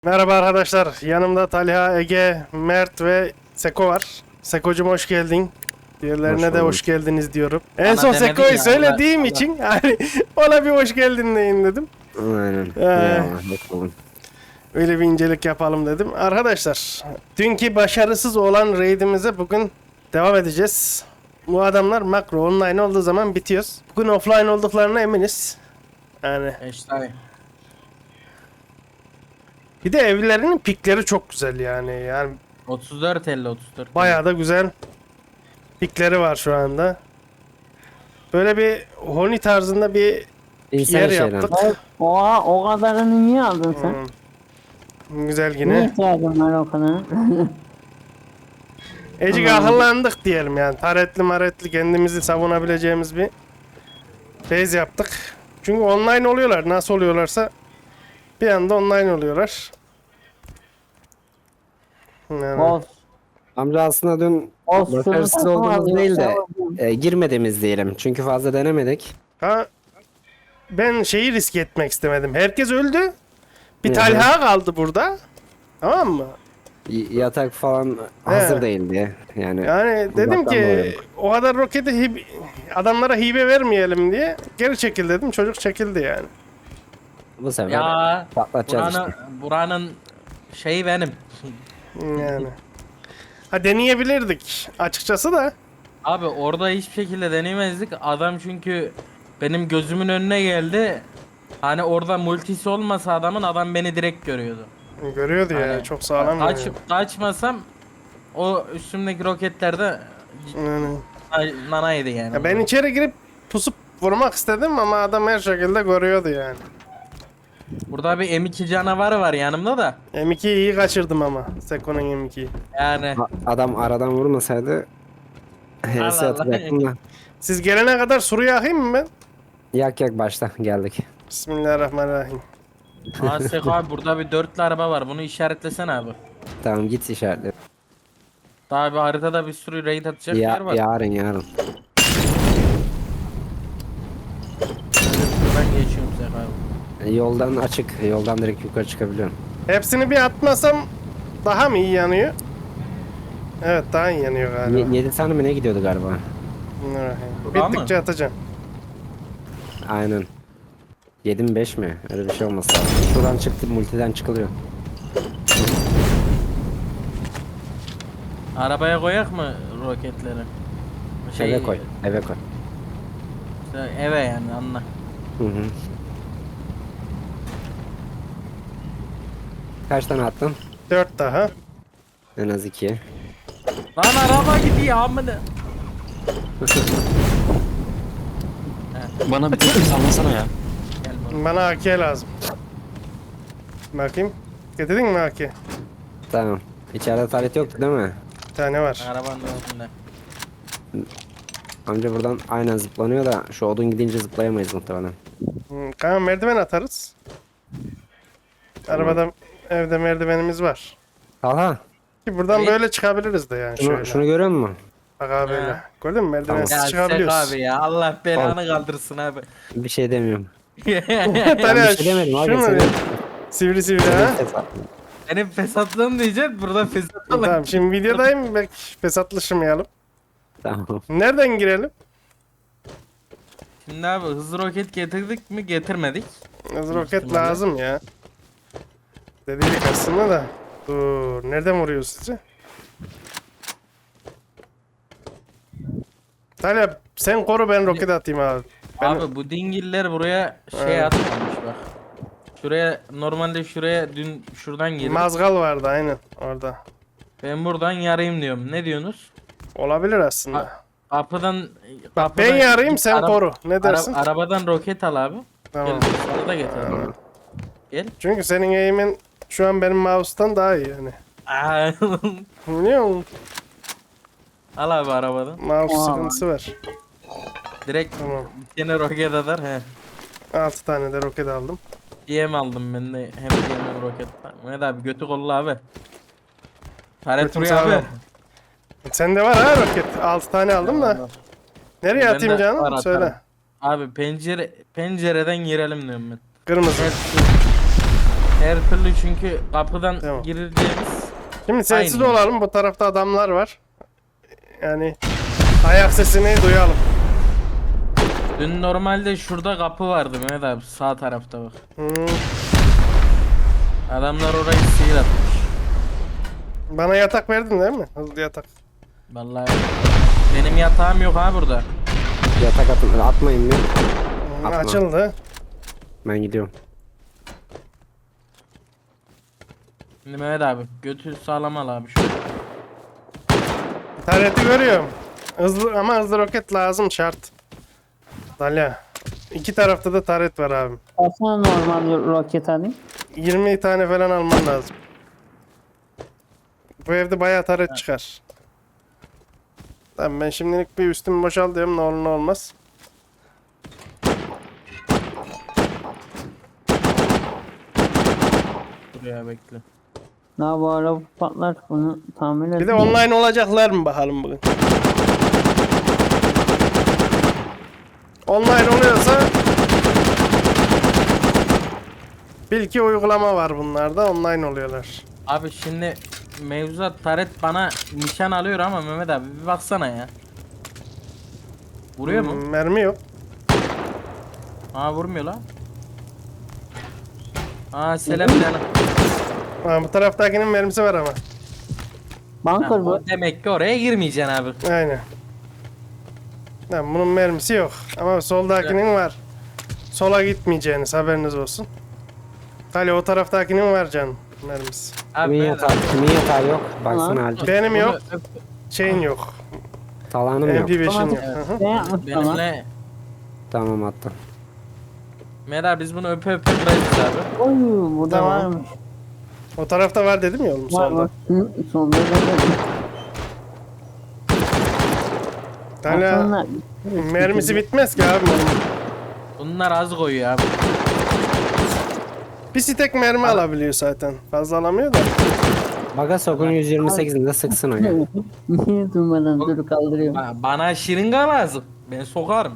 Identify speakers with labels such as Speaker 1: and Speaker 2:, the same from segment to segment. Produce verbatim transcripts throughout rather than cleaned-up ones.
Speaker 1: Merhaba arkadaşlar. Yanımda Talha, Ege, Mert ve Seko var. Seko'cum hoş geldin. Diğerlerine
Speaker 2: Hoş
Speaker 1: de
Speaker 2: bulduk.
Speaker 1: hoş geldiniz diyorum. En
Speaker 3: Bana
Speaker 1: son
Speaker 3: demedi
Speaker 1: Seko'yu
Speaker 3: ya,
Speaker 1: söylediğim
Speaker 3: Allah-
Speaker 1: için hani ona bir hoş geldin deyin dedim.
Speaker 2: Aynen.
Speaker 1: Ee,
Speaker 2: Ya, bakalım.
Speaker 1: Öyle bir incelik yapalım dedim. Arkadaşlar, dünkü başarısız olan raidimize bugün devam edeceğiz. Bu adamlar makro online olduğu zaman bitiyoruz. Bugün offline olduklarına eminiz. Yani
Speaker 3: İşte
Speaker 1: bir de evlerinin pikleri çok güzel yani. Yani
Speaker 3: otuz dört elli otuz dört.
Speaker 1: bayağı da güzel pikleri var şu anda. Böyle bir Honi tarzında bir
Speaker 2: İnsan
Speaker 1: yer
Speaker 2: şeyden.
Speaker 1: yaptık.
Speaker 4: Oha, o kadarını niye aldın sen?
Speaker 1: Hmm. Güzel
Speaker 4: Ne
Speaker 1: yine.
Speaker 4: ihtiyacın var o kadarına?
Speaker 1: Ecik akıllandık diyelim yani. Taretli maretli kendimizi savunabileceğimiz bir base yaptık. Çünkü online oluyorlar. Nasıl oluyorlarsa bir anda online oluyorlar. Yani.
Speaker 4: Boss.
Speaker 2: Amca aslında dün
Speaker 4: Boss
Speaker 2: başarısız
Speaker 4: şunu
Speaker 2: olduğumuz
Speaker 4: takma,
Speaker 2: değil de
Speaker 4: yoksa-
Speaker 2: e, girmediğimiz diyelim. Çünkü fazla denemedik.
Speaker 1: Ha, ben şeyi risk etmek istemedim. Herkes öldü. Bir
Speaker 2: Hı hı.
Speaker 1: Talha kaldı burada. Tamam mı?
Speaker 2: Y- yatak falan hazır değildi. Yani
Speaker 1: Yani dedim
Speaker 2: Uzaktan
Speaker 1: ki
Speaker 2: dolayı.
Speaker 1: o kadar roketi hib- adamlara hibe vermeyelim diye geri çekil dedim. Çocuk çekildi yani.
Speaker 2: bu sefer
Speaker 3: Ya
Speaker 2: patlatacağız
Speaker 3: buranın,
Speaker 2: işte.
Speaker 3: buranın şeyi benim.
Speaker 1: Yani. Ha deneyebilirdik açıkçası da.
Speaker 3: Abi orada hiçbir şekilde deneyemezdik. Adam çünkü benim gözümün önüne geldi. Hani orada multisi olmasa adamın adam beni direkt görüyordu.
Speaker 1: Görüyordu ya
Speaker 3: Hani
Speaker 1: çok sağlam.
Speaker 3: Kaç,
Speaker 1: yani.
Speaker 3: kaçmasam o üstümdeki roketlerde
Speaker 1: Yani.
Speaker 3: nanaydı yani.
Speaker 1: Ya ben içeri girip pusup vurmak istedim ama adam her şekilde görüyordu yani.
Speaker 3: Burada bir M iki canavarı var yanımda da.
Speaker 1: M ikiyi iyi kaçırdım ama. Seko'nun M ikiyi.
Speaker 3: Yani
Speaker 2: A- Adam aradan vurmasaydı H S
Speaker 3: Allah.
Speaker 2: atacaktım da.
Speaker 1: Siz gelene kadar suru yakayım mı ben?
Speaker 2: Yak yak başla geldik.
Speaker 1: Bismillahirrahmanirrahim.
Speaker 3: Asek abi burada bir dörtlü araba var. Bunu işaretlesene abi.
Speaker 2: Tamam git işaretle.
Speaker 3: Daha bir haritada bir sürü raid atacak
Speaker 2: Ya,
Speaker 3: yer var.
Speaker 2: yarın yarın.
Speaker 3: Ben geçiyorum Sek abi.
Speaker 2: E, Yoldan açık. Yoldan direkt yukarı çıkabiliyorum.
Speaker 1: Hepsini bir atmasam daha mı iyi yanıyor? Evet daha iyi yanıyor galiba.
Speaker 2: yedi tane mi ne gidiyordu galiba?
Speaker 1: Bismillahirrahmanirrahim.
Speaker 3: Daha mı?
Speaker 1: Bittikçe atacağım.
Speaker 2: Aynen. yedi mi beş mi? Öyle bir şey olması lazım. Şuradan çıktı, multiden çıkılıyor.
Speaker 3: Arabaya koyak mı roketleri? Şey,
Speaker 2: Eve koy, eve koy.
Speaker 3: işte eve yani anla.
Speaker 2: Hı hı. Kaç tane attın?
Speaker 1: Dört daha.
Speaker 2: En az iki.
Speaker 3: Lan araba gidiyor amına.
Speaker 5: Bana bir tek sallasana ya.
Speaker 3: Gel bana.
Speaker 1: Bana A K lazım. Bakayım. Getirdin mi A K?
Speaker 2: Tamam. İçeride taret yoktu değil mi?
Speaker 1: Bir tane var.
Speaker 3: Arabanın önünde.
Speaker 2: Amca buradan aynen zıplanıyor da şu odun gidince zıplayamayız muhtemelen.
Speaker 1: Hmm, Kanka merdiven atarız. Arabada evde merdivenimiz var.
Speaker 2: Talha,
Speaker 1: Ki buradan
Speaker 3: Evet.
Speaker 1: böyle çıkabiliriz de yani
Speaker 2: şunu,
Speaker 1: şöyle.
Speaker 2: şunu görüyor musun?
Speaker 1: Bak abi böyle.
Speaker 3: Ha.
Speaker 1: Gördün mü merdivensiz
Speaker 3: Ya Sek
Speaker 1: çıkabiliyoruz.
Speaker 3: abi ya Allah belanı kaldırsın abi.
Speaker 2: Bir şey demiyorum.
Speaker 1: Talha,
Speaker 2: Ben bir şey demedim abi.
Speaker 1: şunu
Speaker 2: Senin,
Speaker 1: ver. Sivri sivri ha.
Speaker 3: Benim fesatlığım diyeceksin burada fesatlık.
Speaker 1: Tamam şimdi videodayım belki fesatlışmayalım.
Speaker 2: Tamam.
Speaker 1: Nereden girelim?
Speaker 3: Şimdi abi hızlı roket getirdik mi getirmedik.
Speaker 1: Hızlı roket
Speaker 3: ihtimalle.
Speaker 1: lazım ya. Dedik aslında da. Dur nereden vuruyor sizce? Talha sen koru ben roket atayım abi. Ben...
Speaker 3: Abi bu dingiller buraya şey
Speaker 1: Evet.
Speaker 3: atmamış bak. Şuraya normalde şuraya dün şuradan girdim.
Speaker 1: Mazgal vardı aynen orada.
Speaker 3: Ben buradan yarayım diyorum. Ne diyorsunuz?
Speaker 1: Olabilir aslında.
Speaker 3: Ha, Kapıdan
Speaker 1: Bak
Speaker 3: kapıdan
Speaker 1: ben yarayım sen
Speaker 3: Ara-
Speaker 1: koru. Ne
Speaker 3: ara-
Speaker 1: dersin?
Speaker 3: arabadan roket al abi.
Speaker 1: Tamam.
Speaker 3: Gel sana da getir. Gel.
Speaker 1: Çünkü senin eğimin şu an benim mouse'tan daha iyi yani.
Speaker 3: Aa,
Speaker 1: Biliyor musun?
Speaker 3: al abi arabadan.
Speaker 1: Mouse
Speaker 4: Aa.
Speaker 1: sıkıntısı var.
Speaker 3: Direkt
Speaker 1: Tamam.
Speaker 3: bir tane roket atar. He.
Speaker 1: altı tane de roket aldım.
Speaker 3: D M aldım ben de. Hem D M hem roket. Mehmet abi götü kolla abi. Taret
Speaker 1: Götüm
Speaker 3: vuruyor abi.
Speaker 1: sağlam. Sende var ha roket. altı tane aldım da. Nereye
Speaker 3: Ben
Speaker 1: atayım
Speaker 3: de var,
Speaker 1: canım?
Speaker 3: atarım.
Speaker 1: Söyle.
Speaker 3: Abi pencere pencereden girelim diyorum ben.
Speaker 1: Kırmızı.
Speaker 3: Evet. Her türlü çünkü kapıdan
Speaker 1: Tamam.
Speaker 3: gireceğimiz.
Speaker 1: Şimdi sessiz
Speaker 3: Aynen.
Speaker 1: olalım. Bu tarafta adamlar var. Yani ayak sesini duyalım.
Speaker 3: Dün normalde şurada kapı vardı Mehmet abi, sağ tarafta bak.
Speaker 1: Hmm.
Speaker 3: Adamlar orayı sihir atmış.
Speaker 1: Bana yatak verdin değil mi? Hızlı yatak.
Speaker 3: Vallahi benim yatağım yok ha burada.
Speaker 2: Yatak atın, atmayın mı?
Speaker 1: Hmm,
Speaker 2: Atma.
Speaker 1: Açıldı.
Speaker 2: Ben gidiyorum.
Speaker 3: Şimdi Mehmet abi götü sağlam al abi şu.
Speaker 1: Tareti görüyorum. Hızlı ama hızlı roket lazım şart. Dalya. İki tarafta da taret var abim.
Speaker 4: Kaçına normal roket alayım?
Speaker 1: yirmi tane falan alman lazım. Bu evde bayağı taret çıkar. Tamam ben şimdilik bir üstümü boşaltıyorum ne olur ne olmaz.
Speaker 3: Buraya bekle.
Speaker 4: Daha bu araba patlar, bunu tamir
Speaker 1: Bir de
Speaker 4: edeyim.
Speaker 1: online olacaklar mı bakalım bugün. Online oluyorsa bil ki uygulama var bunlarda online oluyorlar.
Speaker 3: Abi şimdi mevzuat taret bana nişan alıyor ama Mehmet abi bir baksana ya. Vuruyor mu?
Speaker 1: Hmm, mermi yok.
Speaker 3: Aa vurmuyor lan. Aa selam canım.
Speaker 1: Ha, bu taraftakinin mermisi var ama.
Speaker 4: Bunker bu.
Speaker 3: Demek ki oraya girmeyeceksin abi.
Speaker 1: Aynen. Lan bunun mermisi yok. Ama soldakinin var. Sola gitmeyeceğiniz haberiniz olsun. Hali o taraftakinin var canım mermisi.
Speaker 3: Abi
Speaker 2: Kimin
Speaker 3: Mehmet
Speaker 2: yatağı,
Speaker 3: abi,
Speaker 2: kimin yatağı yok? Baksana
Speaker 4: Tamam.
Speaker 2: halde.
Speaker 1: Benim
Speaker 3: bunu
Speaker 1: yok.
Speaker 3: öp-
Speaker 1: Şeyin yok.
Speaker 2: Talanım yok.
Speaker 1: M P beşin
Speaker 4: Tamam.
Speaker 1: yok. Hı hı.
Speaker 4: Ne yapmış ama?
Speaker 3: Benimle
Speaker 2: Tamam attım.
Speaker 3: Mehmet abi biz bunu öpe öpe bırakırız abi.
Speaker 4: Oy, burada
Speaker 1: Tamam.
Speaker 4: varmış.
Speaker 1: O tarafta var dedim ya oğlum
Speaker 4: Var
Speaker 1: solda.
Speaker 4: var. Hı, solda da
Speaker 1: Hala
Speaker 4: Aslında-
Speaker 1: mermisi bitmez ki abi.
Speaker 3: Bunlar az koyuyor abi.
Speaker 1: Bir stek mermi alabiliyor zaten. Fazla alamıyor da.
Speaker 2: Baga sokun yüz yirmi sekizinde sıksın o ya.
Speaker 4: Niye durmadan dur kaldırıyorum.
Speaker 3: Ba- Bana şırınga lazım. Ben sokarım.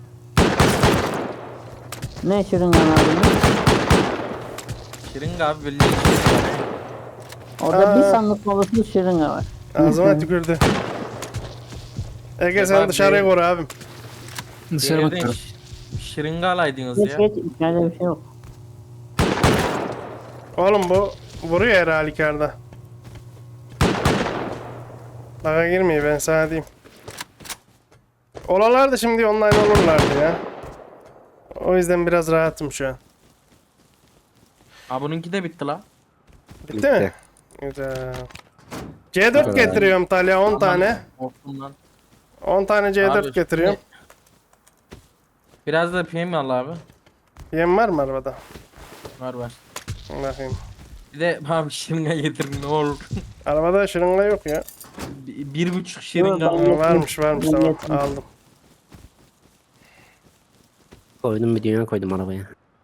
Speaker 4: Ne şırıngan aldın?
Speaker 3: Şırınga abi bildiğin şırınga.
Speaker 4: Orada
Speaker 1: Aa.
Speaker 4: bir sandık dolusu şırınga var.
Speaker 1: Ağzıma tükürdü. Ege sen
Speaker 3: Abi,
Speaker 1: dışarıya koru abim.
Speaker 2: Dışarı
Speaker 3: Yerden
Speaker 2: bakıyorum.
Speaker 3: ş- şırınga alaydınız
Speaker 4: Geç
Speaker 3: ya.
Speaker 4: geç, içeride bir şey yok.
Speaker 1: Oğlum bu vuruyor her halükarda. Baka girmiyor ben sana diyeyim. Olalardı şimdi online olurlardı ya. O yüzden biraz rahatım şu an.
Speaker 3: Ha bununki de bitti la.
Speaker 1: Bitti, mi? Güzel. C dört
Speaker 2: kadar.
Speaker 1: getiriyorum Talya on tane.
Speaker 3: Korktum lan.
Speaker 1: on tane C dört
Speaker 3: Abi,
Speaker 1: getiriyorum.
Speaker 3: şimdi- Biraz da P M al abi.
Speaker 1: Yem var mı arabada?
Speaker 3: Var var.
Speaker 1: Bakayım.
Speaker 3: Bir de bana bir şırınga getirin ne olur.
Speaker 1: Arabada şırınga yok ya.
Speaker 3: Bir, bir buçuk şırınga.
Speaker 4: Yok,
Speaker 1: Aa,
Speaker 4: ben-
Speaker 1: varmış varmış
Speaker 4: Ben
Speaker 1: tamam
Speaker 4: getirdim.
Speaker 1: aldım.
Speaker 2: Koydum bir dünya koydum arabaya.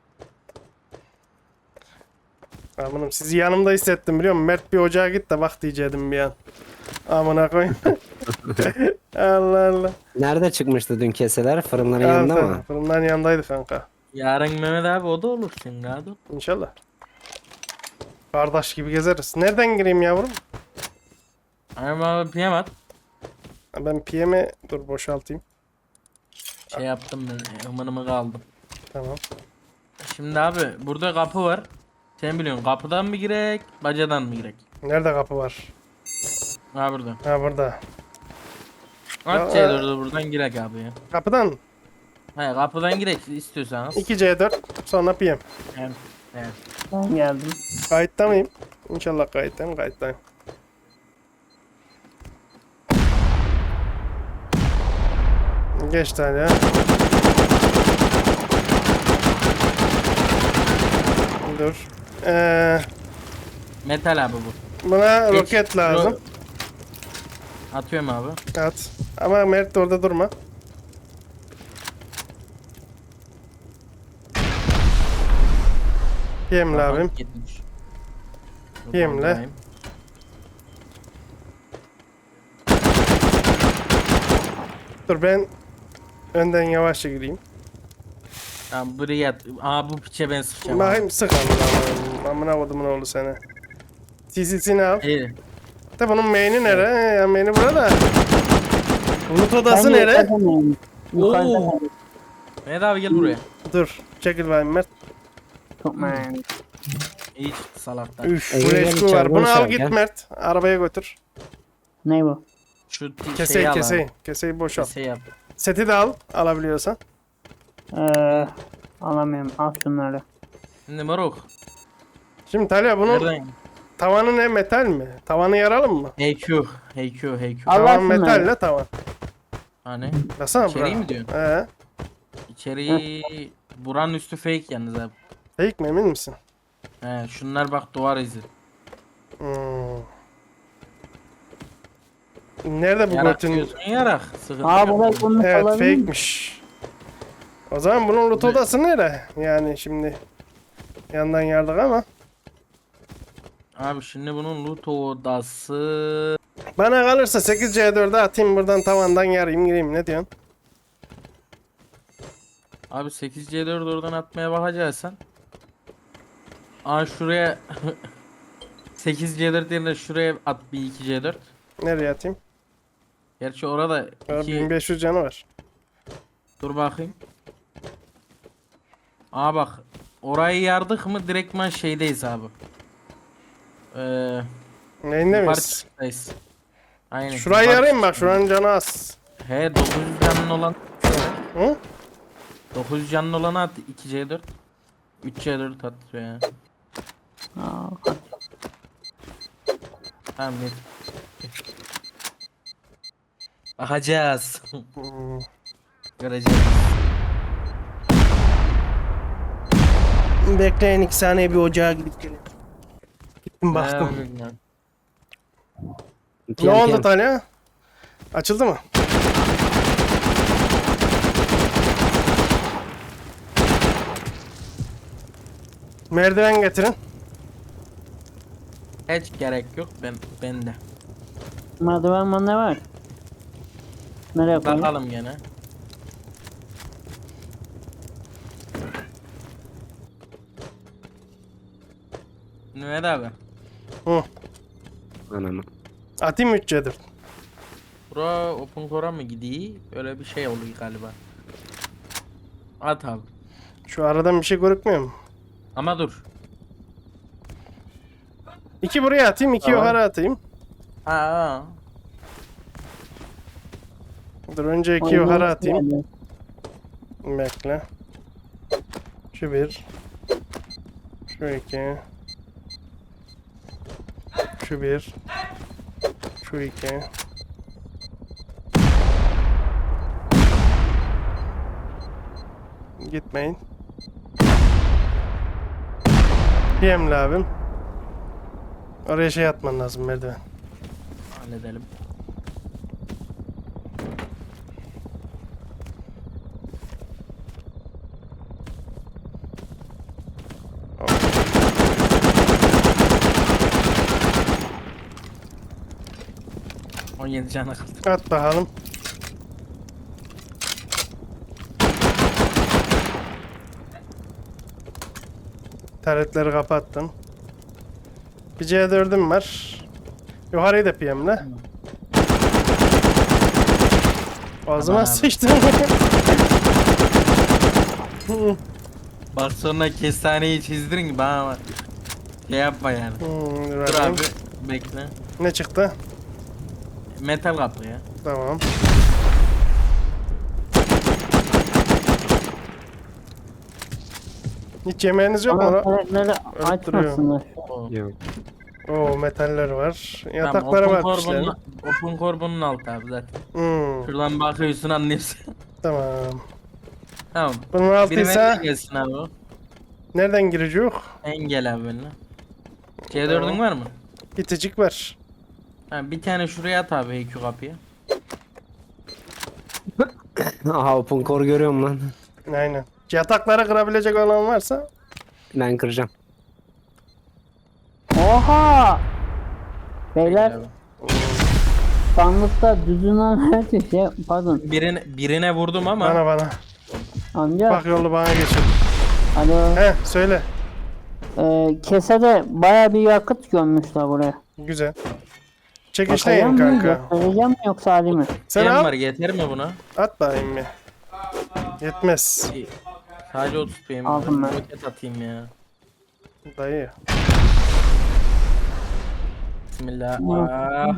Speaker 1: Amanım sizi yanımda hissettim biliyor musun? Mert bir ocağa git de bak diyecektim bir an. Amına koyayım. Allah Allah.
Speaker 2: Nerede çıkmıştı dün keseler? Fırınların yanında
Speaker 1: Al,
Speaker 2: mı?
Speaker 1: Fırından yanındaydı kanka.
Speaker 3: Yarın Mehmet abi o da olur şırınga abi.
Speaker 1: İnşallah. Kardeş gibi gezeriz. Nereden gireyim yavrum?
Speaker 3: Ama abi P M at.
Speaker 1: Ben P M'e dur boşaltayım.
Speaker 3: Şey yaptım ben ımınımı kaldım.
Speaker 1: Tamam.
Speaker 3: Şimdi abi burada kapı var. Sen biliyorsun kapıdan mı girek bacadan mı girek?
Speaker 1: Nerede kapı var?
Speaker 3: Ha burada.
Speaker 1: Ha burada.
Speaker 3: Aç
Speaker 1: Ya,
Speaker 3: C dördü buradan girek abi ya.
Speaker 1: Kapıdan
Speaker 3: He kapıdan girek istiyorsanız.
Speaker 1: iki C dört sonra P M.
Speaker 3: Evet. Evet.
Speaker 4: Ben geldim.
Speaker 1: Kayıtta mıyım? İnşallah kayıttayım kayıttayım. Geç tane ya. Dur. Ee,
Speaker 3: Metal abi bu.
Speaker 1: buna
Speaker 3: Geç.
Speaker 1: roket lazım.
Speaker 3: Ro- Atıyorum abi.
Speaker 1: At. Ama Mert de orada durma. Yemle
Speaker 3: Aha,
Speaker 1: abim.
Speaker 3: gitmiş.
Speaker 1: Yemle.
Speaker 3: Buradayım.
Speaker 1: Dur ben önden yavaşça gireyim.
Speaker 3: Tamam buraya at. Aa bu piçe ben sıkacağım.
Speaker 1: Bakayım sık amına. Amına kodumun oğlu seni. C C'sini al.
Speaker 3: İyi.
Speaker 1: De bunun main'i nere? Ya main'i burada. Loot odası
Speaker 4: Ben
Speaker 1: nere?
Speaker 4: yukarıda mıyım? Yukarıda
Speaker 3: Oo.
Speaker 4: mıyım?
Speaker 3: Mehmet abi gel buraya.
Speaker 1: Dur. Çekil bakayım Mert.
Speaker 4: Çok merak.
Speaker 3: İyi çıktı salaktan.
Speaker 1: Üf.
Speaker 2: Ege
Speaker 1: Bu
Speaker 2: gel
Speaker 1: eşku
Speaker 2: içeri,
Speaker 1: var. Bunu
Speaker 2: boş
Speaker 1: al
Speaker 2: ver,
Speaker 1: git
Speaker 2: gel.
Speaker 1: Mert. Arabaya götür.
Speaker 4: Ne bu?
Speaker 3: Şu t-
Speaker 1: Keseyi
Speaker 3: şeyi al abi.
Speaker 1: keseyi. Keseyi boşalt.
Speaker 3: Keseyi yap.
Speaker 1: Seti de al. Alabiliyorsan.
Speaker 4: Ee, alamıyorum. Al şunları.
Speaker 3: Şimdi moruk.
Speaker 1: Şimdi Talya bunun
Speaker 3: Nereden?
Speaker 1: tavanı ne, metal mi? Tavanı yaralım mı?
Speaker 3: H Q. H Q. H Q.
Speaker 4: Al.
Speaker 1: Tavan
Speaker 4: şunları.
Speaker 1: metal ne tavan?
Speaker 3: Hani?
Speaker 1: Baksana
Speaker 3: İçeriği
Speaker 1: bura.
Speaker 3: mi diyorsun?
Speaker 1: He.
Speaker 3: İçeriği buranın üstü fake yalnız abi.
Speaker 1: Fake mi emin misin?
Speaker 3: He şunlar bak duvar izi.
Speaker 1: Hmm. Nerede bu
Speaker 3: Yarak
Speaker 1: götün?
Speaker 3: diyorsun yarak. Sıkıntı
Speaker 4: Aa
Speaker 3: yok.
Speaker 4: burayı bunu
Speaker 1: Evet
Speaker 4: alabilir miyim?
Speaker 1: fake'miş. O zaman bunun loot odası nere? Yani şimdi yandan yardık ama.
Speaker 3: Abi şimdi bunun loot odası.
Speaker 1: Bana kalırsa sekiz C dört'e atayım buradan tavandan yarayım gireyim ne diyorsun?
Speaker 3: Abi sekiz C dört oradan atmaya bakacaksan. Aa şuraya sekiz C dört yerine şuraya at bir iki C dört.
Speaker 1: Nereye atayım?
Speaker 3: Gerçi orada
Speaker 1: Aa,
Speaker 3: iki
Speaker 1: bin beş yüz canı var.
Speaker 3: dur bakayım. Aa bak orayı yardık mı direktman şeydeyiz abi. Ee,
Speaker 1: Neyinde
Speaker 3: yukarı
Speaker 1: miyiz?
Speaker 3: çıktayız. Aynen.
Speaker 1: Şurayı
Speaker 3: yukarı
Speaker 1: yarayım bak
Speaker 3: çıktayız.
Speaker 1: şuranın canı az.
Speaker 3: He dokuz yüz canlı olan
Speaker 1: Hı?
Speaker 3: dokuz yüz canlı olanı at iki C dört. üç C dört at ya.
Speaker 4: Aa, kaç.
Speaker 3: Tamam net. Bakacağız.
Speaker 1: Hmm.
Speaker 3: Göreceğiz.
Speaker 1: Bekleyin iki saniye bir ocağa gidip gelin. Gittim baktım.
Speaker 3: Ne bileyim.
Speaker 1: Ne oldu Talya? Açıldı mı? Merdiven getirin.
Speaker 3: Hiç gerek yok ben bende.
Speaker 4: Merdiven var ne var? Nereye koyayım?
Speaker 3: Bakalım gene. Mehmet abi.
Speaker 1: Hı.
Speaker 2: Ananı.
Speaker 1: Atayım üç C dört.
Speaker 3: Bura open core'a mı gidiyor? Öyle bir şey oluyor galiba. At abi.
Speaker 1: Şu aradan bir şey görükmüyor mu?
Speaker 3: Ama dur.
Speaker 1: İki buraya atayım, iki
Speaker 3: Tamam.
Speaker 1: yukarı atayım.
Speaker 3: Aa.
Speaker 1: Dur önce iki
Speaker 4: Oyun
Speaker 1: yukarı
Speaker 4: nasıl
Speaker 1: atayım.
Speaker 4: geldi?
Speaker 1: Bekle. Şu bir. Şu iki. Şu bir. Şu iki. Gitmeyin. P M'li abim. Oraya şey atman lazım merdiven.
Speaker 3: Halledelim. on yedi canı kaldı.
Speaker 1: At bakalım. Taretleri kapattım. Bir C dört'üm var. Yukarıyı da P M'le. Ağzıma
Speaker 3: Aman abi.
Speaker 1: sıçtım.
Speaker 3: Bak sonra kestaneyi çizdirin ki bana bak. Şey yapma yani.
Speaker 1: Hmm, dur
Speaker 3: Dur
Speaker 1: bakayım.
Speaker 3: abi bekle.
Speaker 1: Ne çıktı?
Speaker 3: Metal kapı ya.
Speaker 1: Tamam. Hiç yemeğiniz yok mu?
Speaker 4: Ama
Speaker 1: lan?
Speaker 4: karakterleri
Speaker 1: Ölüp duruyor.
Speaker 4: açmasınlar.
Speaker 3: O.
Speaker 2: Yok.
Speaker 1: Oo metaller var.
Speaker 3: Tamam,
Speaker 1: Yataklara
Speaker 3: open
Speaker 1: bak
Speaker 3: core
Speaker 1: işlerin.
Speaker 3: bunun, open core bunun altı abi zaten.
Speaker 1: Hmm,
Speaker 3: Şuradan bakıyorsun anlıyorsun.
Speaker 1: tamam.
Speaker 3: Tamam.
Speaker 1: Bunun
Speaker 3: Biri
Speaker 1: altıysa
Speaker 3: nereden gelsin abi o?
Speaker 1: nereden girecek?
Speaker 3: Engel abi benimle. C dört'ün var mı?
Speaker 1: İticik var.
Speaker 3: Ha, bir tane şuraya at abi H Q kapıya.
Speaker 2: Aha open core görüyorum lan.
Speaker 1: Aynen. Yatakları kırabilecek olan varsa
Speaker 2: Ben kıracağım.
Speaker 4: Oha! Beyler
Speaker 3: Abi.
Speaker 4: sandıkta düzünen her şey pardon.
Speaker 3: Birine, birine vurdum ama
Speaker 1: bana bana.
Speaker 4: Amca.
Speaker 1: Bak yolu bana geçir.
Speaker 4: Alo.
Speaker 1: He söyle.
Speaker 4: Ee, kesede baya bir yakıt gömmüşler buraya.
Speaker 1: Güzel.
Speaker 4: Bakacağım
Speaker 1: Çekişteyim
Speaker 4: mı?
Speaker 1: kanka.
Speaker 4: Göstereceğim mi yoksa Ali mi?
Speaker 1: Sen
Speaker 3: Sen
Speaker 1: al.
Speaker 3: var yeter mi buna?
Speaker 1: At bakayım bir. Yetmez.
Speaker 3: İyi. Sadece otuz P M.
Speaker 4: Aldım ben.
Speaker 3: Roket atayım ya.
Speaker 1: Dayı.
Speaker 3: Bismillah. Ah,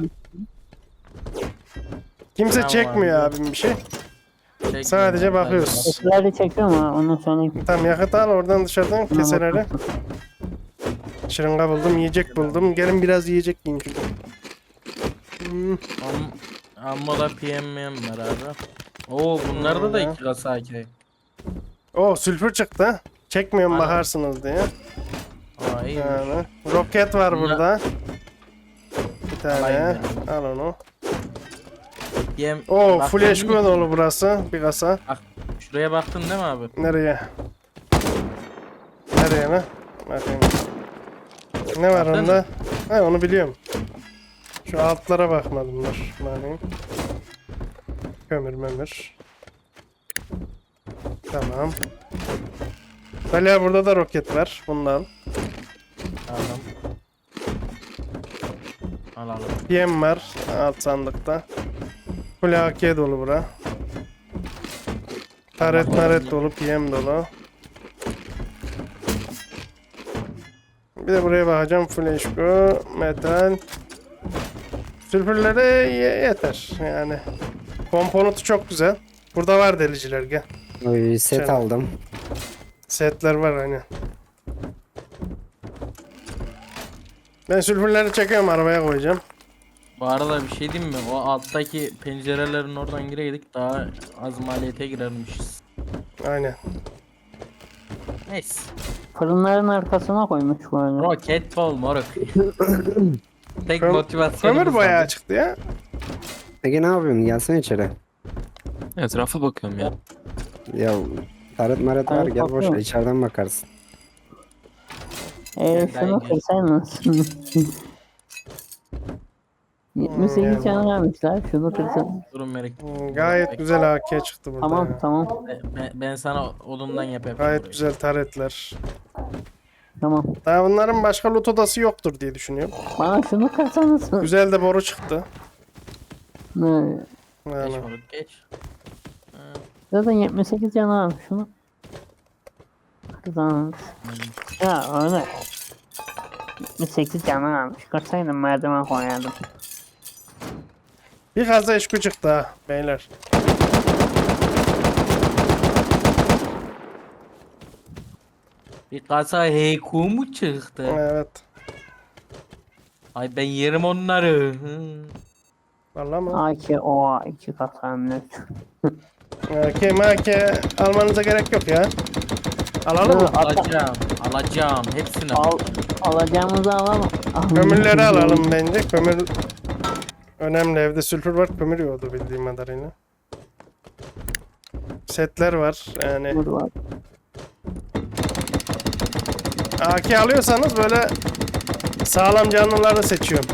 Speaker 1: Kimse
Speaker 3: Tamam
Speaker 1: çekmiyor
Speaker 3: abi.
Speaker 1: abim bir şey.
Speaker 3: çekmiyorum.
Speaker 1: Sadece bakıyoruz.
Speaker 4: Keseleri çekiyorum ha onu söyleyeyim.
Speaker 1: Tamam yakıt al oradan dışarıdan keseleri. Şırınga buldum, yiyecek buldum. Gelin biraz yiyecek yiyin çünkü. Hmm,
Speaker 3: Am Amma da P M var abi. Oo bunlarda da
Speaker 1: Hmm.
Speaker 3: iki kasa A K.
Speaker 1: O sülfür çıktı. ha. Çekmiyorum
Speaker 3: Aynen.
Speaker 1: bakarsınız diye.
Speaker 3: Aa iyi.
Speaker 1: Yani. Roket var
Speaker 3: Bunlar-
Speaker 1: burada. Bir tane.
Speaker 3: Alayım
Speaker 1: Al onu.
Speaker 3: Yem.
Speaker 1: O
Speaker 3: Baktın
Speaker 1: full
Speaker 3: mı?
Speaker 1: H P dolu burası. Bir kasa.
Speaker 3: Bak şuraya baktın değil mi abi?
Speaker 1: Nereye? Nereye mi? Bakayım. Ne var
Speaker 3: Baktın
Speaker 1: onda? Ha onu biliyorum. Şu altlara bakmadım dur. Bakayım. Kömür memür. Tamam. Hala burada da roket var. Bunu da al.
Speaker 3: Aldım. Alalım.
Speaker 1: P M var alt sandıkta. Full A K dolu bura. Taret
Speaker 3: Tamam.
Speaker 1: taret dolu, P M dolu. Bir de buraya bakacağım. Full H P, metal. Sülfürlere ye- yeter yani. Komponentu çok güzel. Burada var deliciler gel.
Speaker 2: Oy, set
Speaker 1: Şöyle.
Speaker 2: aldım.
Speaker 1: Setler var hani. Ben sülfürleri çekiyorum arabaya koyacağım.
Speaker 3: Bu arada bir şey diyeyim mi? O alttaki pencerelerin oradan gireydik daha az maliyete girermişiz.
Speaker 1: Aynen.
Speaker 3: Neyse.
Speaker 4: Fırınların arkasına koymuş bu arada.
Speaker 3: Roket bol moruk. Tek
Speaker 1: Köm-
Speaker 3: motivasyonumuz
Speaker 1: Kömür bayağı
Speaker 3: var.
Speaker 1: çıktı ya.
Speaker 2: Ege ne yapıyorsun? Gelsene içeri.
Speaker 5: Etrafa bakıyorum ya.
Speaker 2: Ya taret maret var,
Speaker 4: Taret
Speaker 2: gel boş ver,
Speaker 4: bakıyorum.
Speaker 2: içeriden bakarsın.
Speaker 4: Eee
Speaker 3: Ben
Speaker 4: şunu
Speaker 3: gel.
Speaker 4: kırsaydınız. yetmiş sekiz
Speaker 1: yani.
Speaker 4: tane vermişler. Şunu kırsan.
Speaker 3: Durun Merik.
Speaker 1: Hmm, Gayet güzel A K çıktı burada.
Speaker 4: Tamam
Speaker 1: ya.
Speaker 4: tamam
Speaker 3: Ben, ben sana odundan yapayım.
Speaker 1: Gayet
Speaker 3: burayı.
Speaker 1: güzel taretler.
Speaker 4: tamam.
Speaker 1: Daha bunların başka loot odası yoktur diye düşünüyorum.
Speaker 4: Bana şunu kırsanız.
Speaker 1: Güzel de boru çıktı.
Speaker 4: Ne?
Speaker 3: Geç
Speaker 1: Yani.
Speaker 3: moruk geç.
Speaker 4: Zaten yetmiş sekiz tane varmış şunu. Kırsanız. Ya öyle. yetmiş sekiz tane varmış. Kırsaydım merdiven koyardım.
Speaker 1: Bir kasa eşku çıktı ha beyler.
Speaker 3: Bir kasa heyku mu çıktı?
Speaker 1: Evet.
Speaker 3: Ay ben yerim onları. Hı.
Speaker 1: Vallahi mı?
Speaker 4: A K O iki kasa hem de.
Speaker 1: A K M A K almanıza gerek yok ya. Alalım mı?
Speaker 4: Ata-
Speaker 3: Alacağım. Alacağım. Hepsini
Speaker 4: Al,
Speaker 3: alacağım.
Speaker 4: alacağımızı alalım.
Speaker 1: Kömürleri alalım bence. Kömür önemli. Evde sülfür var. Kömür yoktu bildiğim kadarıyla. Setler var. Yani
Speaker 4: Dur var.
Speaker 1: A K alıyorsanız böyle sağlam canlıları seçiyorum.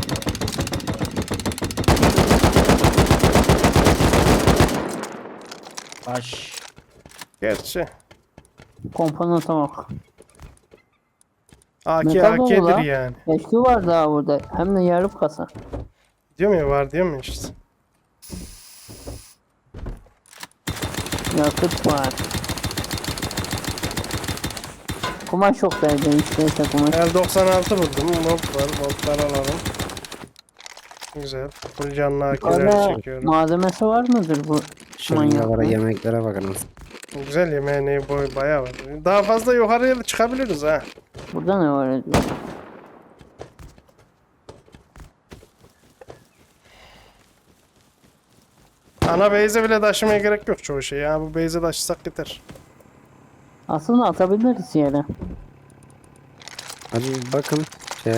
Speaker 3: Baş.
Speaker 1: Gerçi
Speaker 4: Komponenta bak.
Speaker 1: A K
Speaker 4: Metal dolu
Speaker 1: A K'dir
Speaker 4: lan.
Speaker 1: yani.
Speaker 4: Eşki var daha burada. Hem de yarım kasa.
Speaker 1: Diyor mu ya var diyor mu işte.
Speaker 4: Yakıt var. Kumaş yok derdi işte işte kumaş.
Speaker 1: L doksan altı buldum. Mob var. Moblar alalım. Güzel. Full canlı A K'ler
Speaker 4: Orada
Speaker 1: çekiyorum.
Speaker 4: malzemesi var mıdır bu
Speaker 2: Şırıngalara,
Speaker 4: manyakların?
Speaker 2: yemeklere bakınız.
Speaker 1: Güzel yemeğine boy bayağı var. Daha fazla yukarıya da çıkabiliriz ha.
Speaker 4: Burada ne var acaba?
Speaker 1: Ana base'e bile taşımaya gerek yok çoğu şey ya. Bu base'e taşısak yeter.
Speaker 4: Aslında atabiliriz yere.
Speaker 2: Hadi bir bakın. Şey,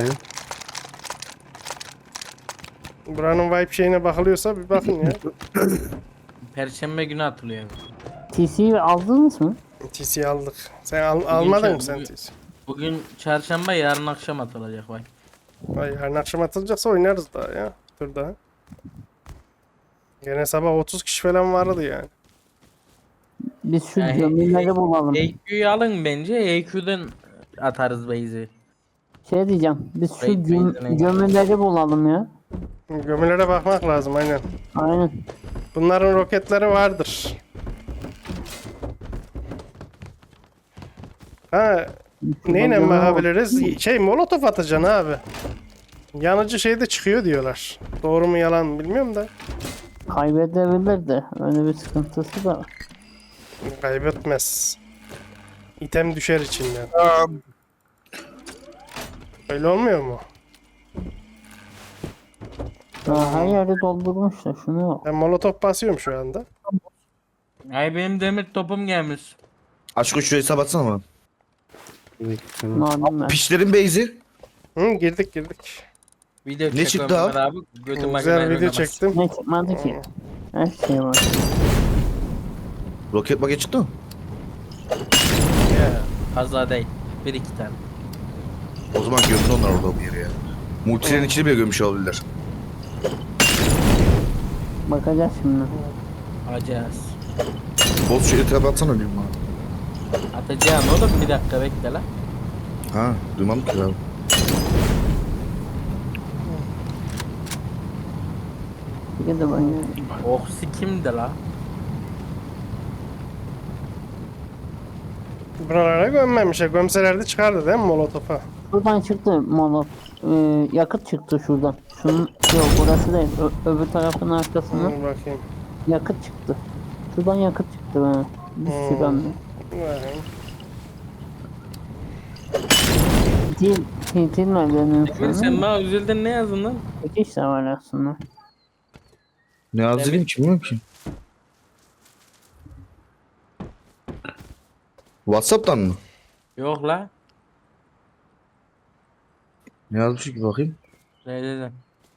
Speaker 1: Buranın vibe şeyine bakılıyorsa bir bakın ya.
Speaker 3: Perşembe günü atılıyor.
Speaker 4: T C'yi aldınız mı?
Speaker 1: T C aldık. Sen al, almadın
Speaker 3: şey-
Speaker 1: mı sen
Speaker 3: bugün-
Speaker 1: T C?
Speaker 3: Bugün çarşamba yarın akşam atılacak bak.
Speaker 1: Vay yarın akşam atılacaksa oynarız daha ya. Dur daha. Gene sabah otuz kişi falan vardı yani.
Speaker 4: Biz şu
Speaker 3: Yani-
Speaker 4: gömüleri bulalım.
Speaker 3: E Q'yu alın bence. E Q'dan atarız base'i.
Speaker 4: Şey diyeceğim. Biz şu
Speaker 3: Raid
Speaker 4: göm
Speaker 3: base'ine.
Speaker 4: gömüleri bulalım ya.
Speaker 1: Gömülere bakmak lazım aynen.
Speaker 4: Aynen.
Speaker 1: Bunların roketleri vardır. Ha, neyle
Speaker 4: Gömü-
Speaker 1: bakabiliriz? Şey molotof atacaksın abi. Yanıcı şey de çıkıyor diyorlar. Doğru mu yalan mı bilmiyorum da.
Speaker 4: Kaybedebilir de. Öyle bir sıkıntısı da var.
Speaker 1: Kaybetmez. İtem düşer içinden. Öyle olmuyor mu?
Speaker 4: Ya her yeri doldurmuşlar. Şunu bak.
Speaker 1: Ben molotof basıyorum şu anda.
Speaker 3: Ay benim demir topum gelmiş.
Speaker 6: Aşkı şu hesap atsana bana.
Speaker 4: Malum ben.
Speaker 6: Pişlerin beyzi.
Speaker 1: Hı, girdik girdik.
Speaker 3: Video
Speaker 6: Ne
Speaker 3: çekiyorum
Speaker 6: çıktı
Speaker 3: Mehmet
Speaker 6: abi?
Speaker 3: abi. Götüm
Speaker 1: Güzel
Speaker 3: makinayla
Speaker 1: video
Speaker 3: oynamaz.
Speaker 1: çektim.
Speaker 4: Ne çıkmadı ki? Her şey var.
Speaker 6: Roket maket çıktı mı?
Speaker 3: Ya, fazla değil. Bir iki tane.
Speaker 6: O zaman gömdü onlar orada bir yere ya. Multilerin içini bile gömmüş olabilirler.
Speaker 4: Bakacağız şimdi.
Speaker 3: Acayız.
Speaker 6: Boz şu hesap atsana bir bana.
Speaker 3: Atacağım oğlum bir dakika bekle lan.
Speaker 6: Ha duymadım ki abi.
Speaker 4: Bir de ben yani.
Speaker 3: Oksi kimdi la?
Speaker 1: Buralara gömmemişler. Gömselerdi çıkardı değil mi molotofa?
Speaker 4: Şuradan çıktı molot. Ee, yakıt çıktı şuradan. Şunun yok burası değil. Ö- öbür tarafın arkasından
Speaker 1: Dur bakayım.
Speaker 4: yakıt çıktı. Şuradan yakıt çıktı bana. Bir
Speaker 1: Hmm.
Speaker 4: sürü hem de.
Speaker 1: Bakayım.
Speaker 4: Dil, dil, dil merdivenin
Speaker 3: Emin sen
Speaker 4: sonra.
Speaker 3: bana üzüldün ne yazdın lan?
Speaker 4: İki işte var aslında.
Speaker 6: Ne yazayım ki bilmiyorum ki. Whatsapp'tan mı?
Speaker 3: Yok la.
Speaker 6: Ne yazmış ki bakayım.
Speaker 3: Ne dedim?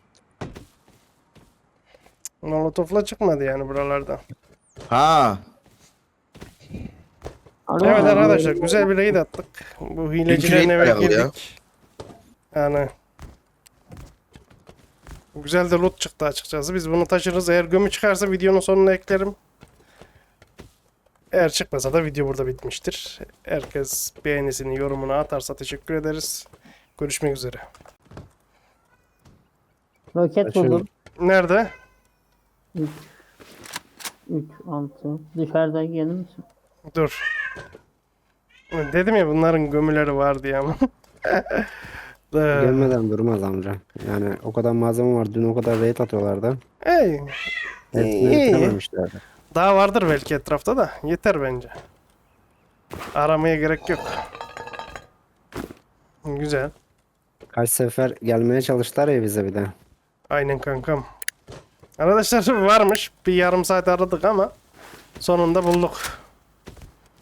Speaker 1: Molotofla çıkmadı yani buralardan.
Speaker 6: Ha.
Speaker 4: Alo.
Speaker 1: Evet arkadaşlar güzel bir raid attık. Bu hilecilerin
Speaker 6: raid
Speaker 1: eve
Speaker 6: bayağı ya.
Speaker 1: girdik. Yani güzel de loot çıktı açıkçası. Biz bunu taşırız. Eğer gömü çıkarsa videonun sonuna eklerim. Eğer çıkmasa da video burada bitmiştir. Herkes beğenisini, yorumunu atarsa teşekkür ederiz. Görüşmek üzere.
Speaker 4: Roket
Speaker 2: Açıyorum.
Speaker 4: buldum.
Speaker 1: Nerede?
Speaker 4: üç, altı. Dışarıda gelir misin?
Speaker 1: Dur. Dedim ya bunların gömüleri var diye ama. Ee,
Speaker 2: Gelmeden durmaz amca. Yani o kadar malzeme var. Dün o kadar raid atıyorlardı.
Speaker 1: Ey,
Speaker 2: Hepsini
Speaker 1: iyi.
Speaker 2: bitirememişlerdi.
Speaker 1: Daha vardır belki etrafta da. Yeter bence. Aramaya gerek yok. Güzel.
Speaker 2: Kaç sefer gelmeye çalıştılar ya bize bir de.
Speaker 1: Aynen kankam. Arkadaşlar varmış. Bir yarım saat aradık ama sonunda bulduk.